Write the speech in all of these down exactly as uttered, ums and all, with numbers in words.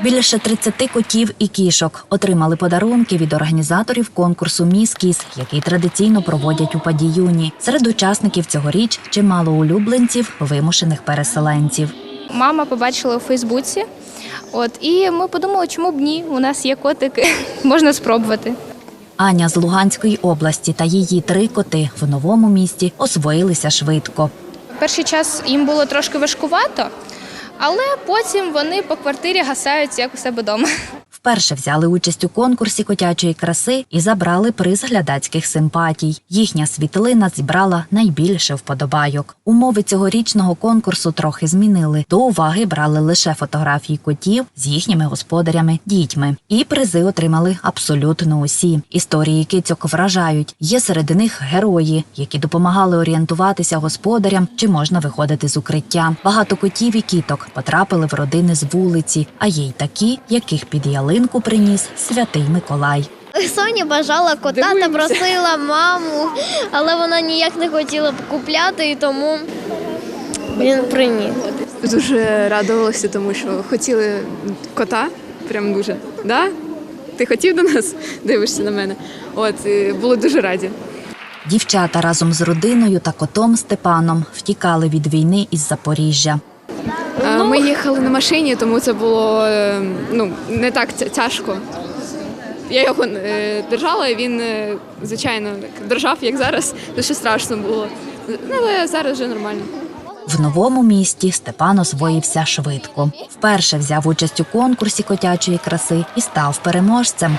Більше тридцяти котів і кішок отримали подарунки від організаторів конкурсу «Міс Кіс», який традиційно проводять у Падіюні. Серед учасників цьогоріч чимало улюбленців вимушених переселенців. Мама побачила у Фейсбуці, от, і ми подумали, чому б ні, у нас є котики, можна спробувати. Аня з Луганської області та її три коти в новому місті освоїлися швидко. Перший час їм було трошки важкувато, але потім вони по квартирі гасають, як у себе вдома. Вперше взяли участь у конкурсі котячої краси і забрали приз глядацьких симпатій. Їхня світлина зібрала найбільше вподобайок. Умови цьогорічного конкурсу трохи змінили. До уваги брали лише фотографії котів з їхніми господарями, дітьми. І призи отримали абсолютно усі. Історії кицьок вражають. Є серед них герої, які допомагали орієнтуватися господарям, чи можна виходити з укриття. Багато котів і кіток потрапили в родини з вулиці, а є й такі, яких під ялинку приніс Святий Миколай. Соня бажала кота та просила маму, але вона ніяк не хотіла купляти, і тому він приніс. Дуже радувалася, тому що хотіли кота, прям дуже. Да? Ти хотів до нас? Дивишся на мене. От, були дуже раді. Дівчата разом з родиною та котом Степаном втікали від війни із Запоріжжя. Ми їхали на машині, тому це було ну, не так тяжко. Я його держала, і він, звичайно, держав, як зараз. Дуже страшно було. Але зараз вже нормально. В новому місті Степан освоївся швидко. Вперше взяв участь у конкурсі котячої краси і став переможцем.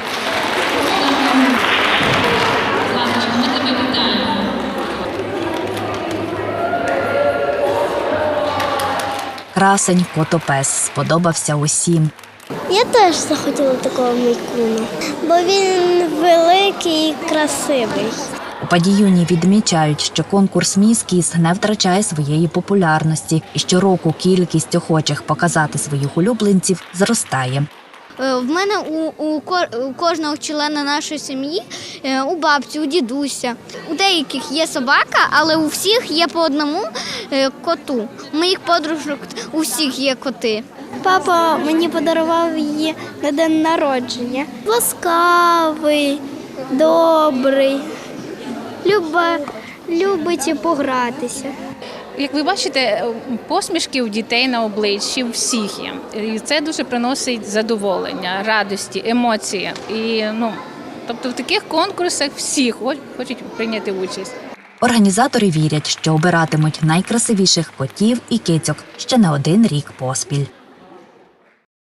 Красень котопес сподобався усім. Я теж захотіла такого Мейкуна, бо він великий і красивий. У Падіюні відмічають, що конкурс «Міс Кіс» не втрачає своєї популярності і щороку кількість охочих показати своїх улюбленців зростає. В мене у, у, у кожного члена нашої сім'ї, у бабці, у дідуся. У деяких є собака, але у всіх є по одному коту. У моїх подружок у всіх є коти. Папа мені подарував її на день народження. Ласкавий, добрий, люба, любить погратися. Як ви бачите, посмішки у дітей на обличчі у всіх є. І це дуже приносить задоволення, радості, емоції. І, ну, тобто в таких конкурсах всі хочуть прийняти участь. Організатори вірять, що обиратимуть найкрасивіших котів і кицьок ще не один рік поспіль.